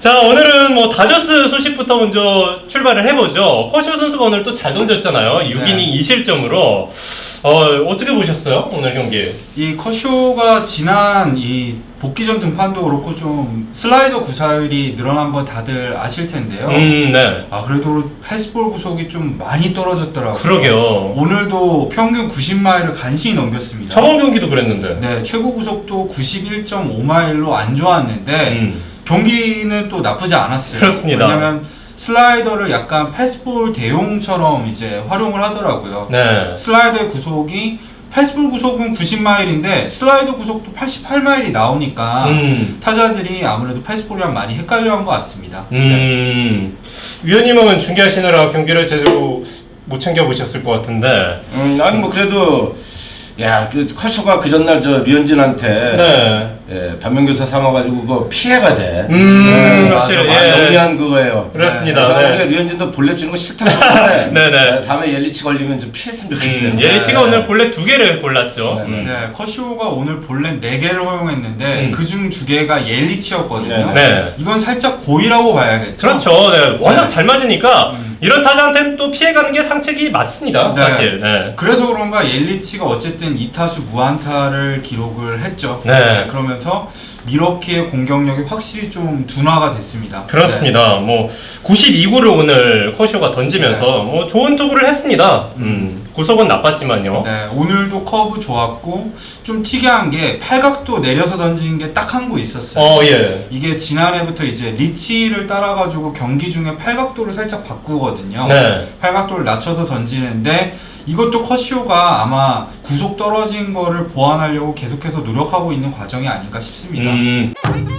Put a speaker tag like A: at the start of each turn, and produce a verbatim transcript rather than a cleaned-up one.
A: 자, 오늘은 뭐 다저스 소식부터 먼저 출발을 해보죠. 커쇼 선수가 오늘 또 잘 던졌잖아요. 육 이닝 이 실점으로. 어, 어떻게 보셨어요? 오늘 경기?
B: 이 커쇼가 지난 이 복귀전 등판도 그렇고 좀 슬라이더 구사율이 늘어난 건 다들 아실 텐데요.
A: 음, 네.
B: 아, 그래도 패스볼 구속이 좀 많이 떨어졌더라고요.
A: 그러게요.
B: 오늘도 평균 구십 마일을 간신히 넘겼습니다.
A: 저번 경기도 그랬는데.
B: 네, 최고 구속도 구십일 점 오 마일로 안 좋았는데
A: 음.
B: 경기는 또 나쁘지 않았어요.
A: 그렇습니다.
B: 왜냐면 슬라이더를 약간 패스볼 대용처럼 이제 활용을 하더라고요.
A: 네.
B: 슬라이더의 구속이 패스볼 구속은 구십 마일인데 슬라이더 구속도 팔십팔 마일이 나오니까
A: 음.
B: 타자들이 아무래도 패스볼이랑 많이 헷갈려한 것 같습니다.
A: 음. 위원님은 중계하시느라 경기를 제대로 못 챙겨보셨을 것 같은데.
C: 음, 아니 뭐 그래도 야, 그 커쇼가 그 전날 저 류현진한테
A: 네.
C: 예, 반면교사 삼아가지고 그거 피해가 돼.
A: 음,
C: 네,
A: 확실히,
C: 맞아,
A: 예.
C: 영리한 그거예요.
A: 그렇습니다.
C: 그래서
A: 네.
C: 류현진도 볼넷 주는 거 싫다고 하는데
A: 네네.
C: 다음에 옐리치 걸리면 좀 피했으면 좋겠어요.
A: 음, 예리치가
C: 네.
A: 오늘 볼넷 두 개를 골랐죠.
C: 네,
A: 음.
B: 네, 커쇼가 오늘 볼넷 네 개를 허용했는데
A: 음.
B: 그중 두 개가 옐리치였거든요.
A: 네.
B: 이건 살짝 고의라고 봐야겠죠.
A: 그렇죠. 네. 워낙
B: 네.
A: 잘 맞으니까
B: 음.
A: 이런 타자한테는 또 피해가는 게 상책이 맞습니다.
B: 네.
A: 사실. 네.
B: 그래서 그런가 옐리치가 어쨌든 이 타수 무안타를 기록을 했죠.
A: 네.
B: 그러면서 미러키의 공격력이 확실히 좀 둔화가 됐습니다.
A: 그렇습니다. 뭐 구십이 구를 오늘 커쇼가 던지면서
B: 네.
A: 뭐 좋은 투구를 했습니다. 음. 구속은 나빴지만요.
B: 네, 오늘도 커브 좋았고 좀 특이한 게 팔각도 내려서 던진 게 딱 한 구 있었어요.
A: 어, 예.
B: 이게 지난해부터 이제 리치를 따라가지고 경기 중에 팔각도를 살짝 바꾸거든요.
A: 네.
B: 팔각도를 낮춰서 던지는데 이것도 커쇼가 아마 구속 떨어진 거를 보완하려고 계속해서 노력하고 있는 과정이 아닌가 싶습니다.
A: 음.